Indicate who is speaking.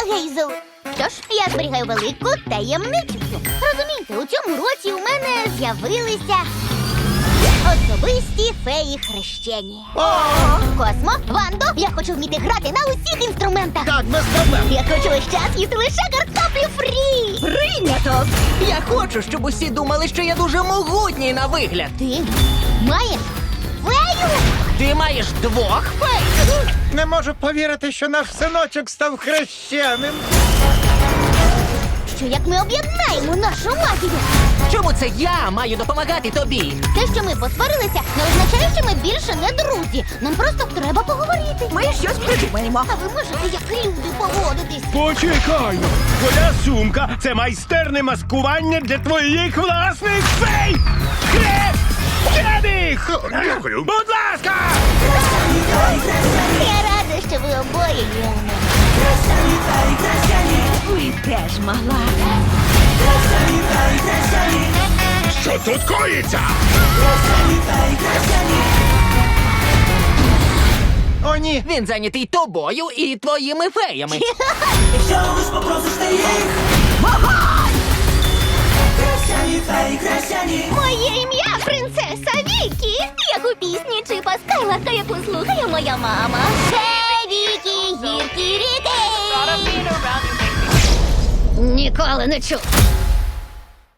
Speaker 1: Гейзел. Що ж, я зберігаю велику таємницю. Розумієте, у цьому році у мене з'явилися особисті феї хрещення. Космо, Вандо, я хочу вміти грати на усіх інструментах.
Speaker 2: Так, без проблем.
Speaker 1: Я хочу весь час їсти лише картоплю фрі.
Speaker 3: Прийнято! Я хочу, щоб усі думали, що я дуже могутній на вигляд.
Speaker 1: Ти маєш фею?
Speaker 3: Ти маєш двох фей?
Speaker 2: Не можу повірити, що наш синочок став хрещеним.
Speaker 1: Що як ми об'єднаємо нашу магію?
Speaker 3: Чому це я маю допомагати тобі?
Speaker 1: Те, що ми посварилися, не означає, що ми більше не друзі. Нам просто треба поговорити.
Speaker 3: Ми щось придумаємо.
Speaker 1: А ви можете, як люди, поводитись?
Speaker 4: Почекай! Твоя сумка це майстерне маскування для твоїх власних фей! Хрещених!
Speaker 2: Дякую.
Speaker 4: Будь ласка!
Speaker 1: Я рада, що ви обоє є у мене.
Speaker 3: Ви теж мала.
Speaker 4: Що тут коїться?
Speaker 2: О, ні.
Speaker 3: Він зайнятий тобою і твоїми феями.
Speaker 1: Моє ім'я принцеса Вікі, як у пісні Чипа Скайларка, яку слухає моя мама. Хей, Вікі, гіркі ріки! Ніколи не чув.